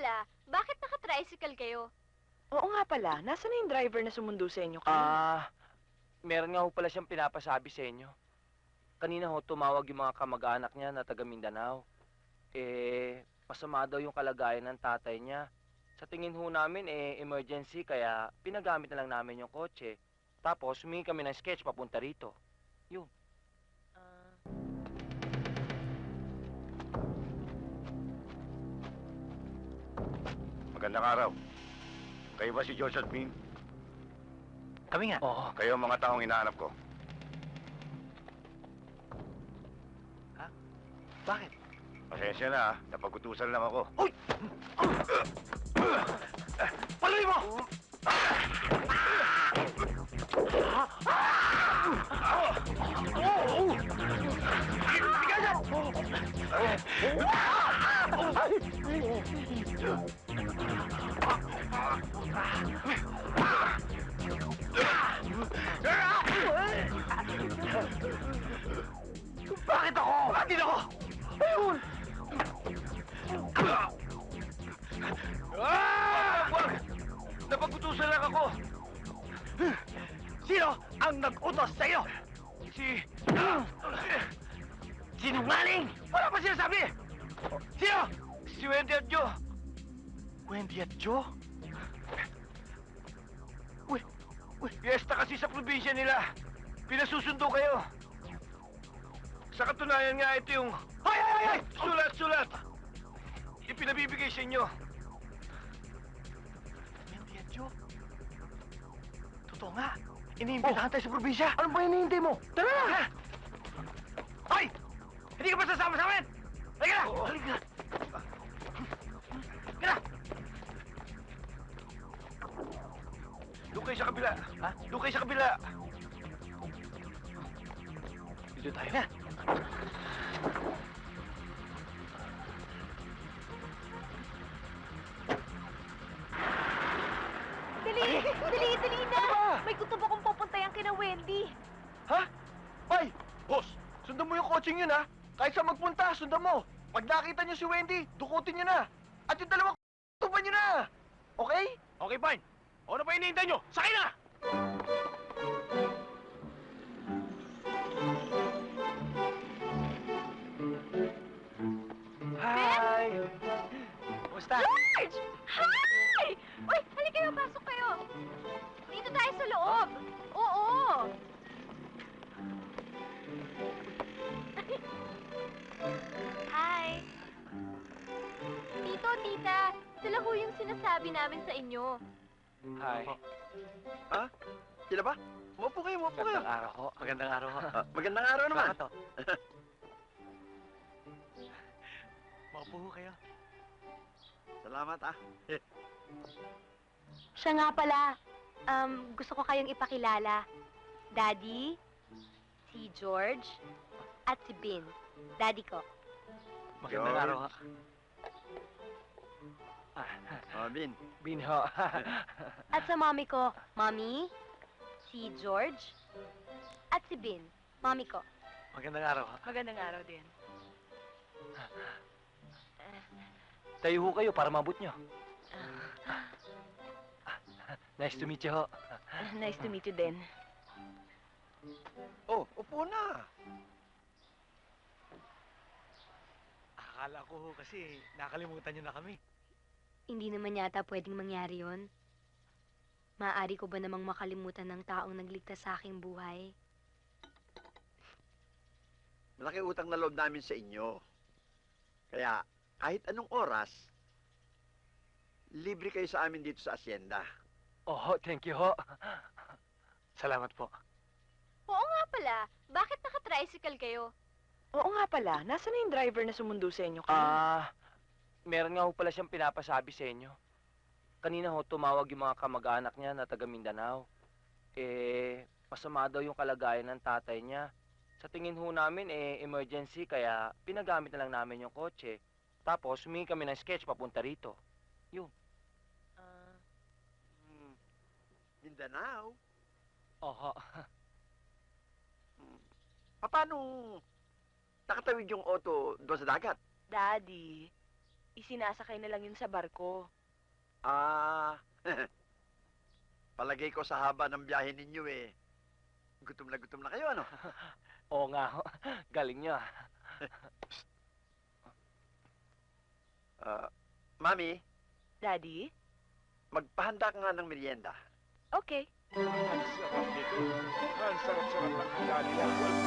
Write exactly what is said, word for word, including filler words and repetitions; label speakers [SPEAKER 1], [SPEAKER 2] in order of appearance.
[SPEAKER 1] pala, bakit naka-tricycle kayo?
[SPEAKER 2] Oo nga pala, nasaan na yung driver na sumundo sa inyo kanina?
[SPEAKER 3] Ah, meron nga ho pala siyang pinapasabi sa inyo. Kanina ho, tumawag yung mga kamag-anak niya na taga Mindanao. Eh, masama daw yung kalagayan ng tatay niya. Sa tingin ho namin, eh, emergency, kaya pinagamit na lang namin yung kotse. Tapos, humingi kami ng sketch papunta rito. Yun.
[SPEAKER 2] Ah,
[SPEAKER 4] Magandang araw. Kayo ba si George at Bean?
[SPEAKER 5] Kami nga.
[SPEAKER 3] Oo.
[SPEAKER 4] Kayo ang mga taong hinahanap ko.
[SPEAKER 5] Bakit?
[SPEAKER 4] Pasensya na, ah. Napagutusan lang ako.
[SPEAKER 5] Uy! Paluin mo! Bakit ako? Bakit ako? Ayun!
[SPEAKER 4] Ah! Wag! Napagutusan lang ako.
[SPEAKER 5] Sino ang nag-utos sa'yo?
[SPEAKER 4] Si...
[SPEAKER 5] Sinungaling! Wala pa sinasabi! Sino?
[SPEAKER 4] Si Wendy at Joe.
[SPEAKER 5] Wendy at Joe? Uy, uy,
[SPEAKER 4] Fiesta kasi sa probinsya nila. Pinasusundo kayo. Sa katunayan nga, ito yung
[SPEAKER 5] ay, ay, ay, ay!
[SPEAKER 4] sulat-sulat. Ipinabibigay sa inyo.
[SPEAKER 5] Wendy at Joe? Totoo nga. Iniimbitahan tayo sa probinsya. Ano ba hinihintay mo? Tara na! Hoy! Hindi ka ba sasama sa amin? Halika na!
[SPEAKER 4] Oo.
[SPEAKER 5] Halika na! Halika na!
[SPEAKER 4] Doon kayo sa kabila.
[SPEAKER 5] Ha?
[SPEAKER 4] Doon kayo sa kabila.
[SPEAKER 5] Dito tayo na.
[SPEAKER 1] Dali! Dali! Dali na! May kutob akong pupuntayan kina Wendy.
[SPEAKER 5] Ha? Ay! Boss! Sundan mo yung coaching yun, ha? Kahit saan magpunta, sundan mo. Pag nakita niyo si Wendy, dukutin niyo na. At yung dalawang tuban niyo na. Okay?
[SPEAKER 4] Okay, fine. Ano pa hinihintay nyo? Sakay na!
[SPEAKER 5] Hi! Kumusta?
[SPEAKER 1] George! Hi! Uy, halika kayo, pasok kayo. Dito tayo sa loob. Oo. Hi. Tito, tita, sila ho yung sinasabi namin sa inyo.
[SPEAKER 3] Hi.
[SPEAKER 5] Ha? Sila ba? Umupo kayo, umupo kayo.
[SPEAKER 3] Magandang araw ho.
[SPEAKER 5] Magandang araw ho. magandang araw naman.
[SPEAKER 3] Bakit ho?
[SPEAKER 5] Maupo ho kayo. Salamat, ah.
[SPEAKER 1] Siya nga pala, um, gusto ko kayong ipakilala. Daddy, si George, at si Bin. Daddy ko.
[SPEAKER 5] Magandang
[SPEAKER 4] George.
[SPEAKER 5] araw ho.
[SPEAKER 4] Oh, Bin.
[SPEAKER 3] Bin ho.
[SPEAKER 1] At sa mommy ko, mommy, si George, at si Bin. Mommy ko.
[SPEAKER 5] Magandang araw ho.
[SPEAKER 2] Magandang araw din.
[SPEAKER 3] Tayo ho kayo para mabot nyo. Nice to meet you ho.
[SPEAKER 2] Nice to meet you din.
[SPEAKER 5] Oh, upo na. Akala ko ho kasi nakalimutan niyo na kami.
[SPEAKER 1] Hindi naman yata pwedeng mangyari yon. Maaari ko ba namang makalimutan ng taong nagligtas sa aking buhay?
[SPEAKER 6] Malaki utang na loob namin sa inyo. Kaya kahit anong oras, libre kayo sa amin dito sa asyenda.
[SPEAKER 3] Oh, thank you ho.
[SPEAKER 5] Salamat po.
[SPEAKER 1] Oo nga pala, bakit naka-tricycle kayo?
[SPEAKER 2] Oo nga pala, nasaan na yung driver na sumundo sa inyo kanina?
[SPEAKER 3] Ah, meron nga ho pala siyang pinapasabi sa inyo. Kanina ho, tumawag yung mga kamag-anak niya na taga Mindanao. Eh, masama daw yung kalagayan ng tatay niya. Sa tingin ho namin, eh, emergency, kaya pinagamit na lang namin yung kotse. Tapos, humingi kami ng sketch papunta rito. Yun.
[SPEAKER 2] Ah,
[SPEAKER 6] Hmm. Mindanao?
[SPEAKER 3] Oho.
[SPEAKER 6] Hmm. Paano nakatawid yung auto doon sa dagat?
[SPEAKER 2] Daddy, Isinasakay na lang yun sa barko.
[SPEAKER 6] Ah, palagay ko sa haba ng biyahe ninyo eh. Gutom na gutom na kayo, ano?
[SPEAKER 3] Oo nga ho. Galing niyo. ah.
[SPEAKER 6] Ah, Mami,
[SPEAKER 2] Daddy?
[SPEAKER 6] magpahanda ka nga ng merienda.
[SPEAKER 2] Okay.
[SPEAKER 4] Ang sarap nito. Ang sarap-sarap ng handa nila.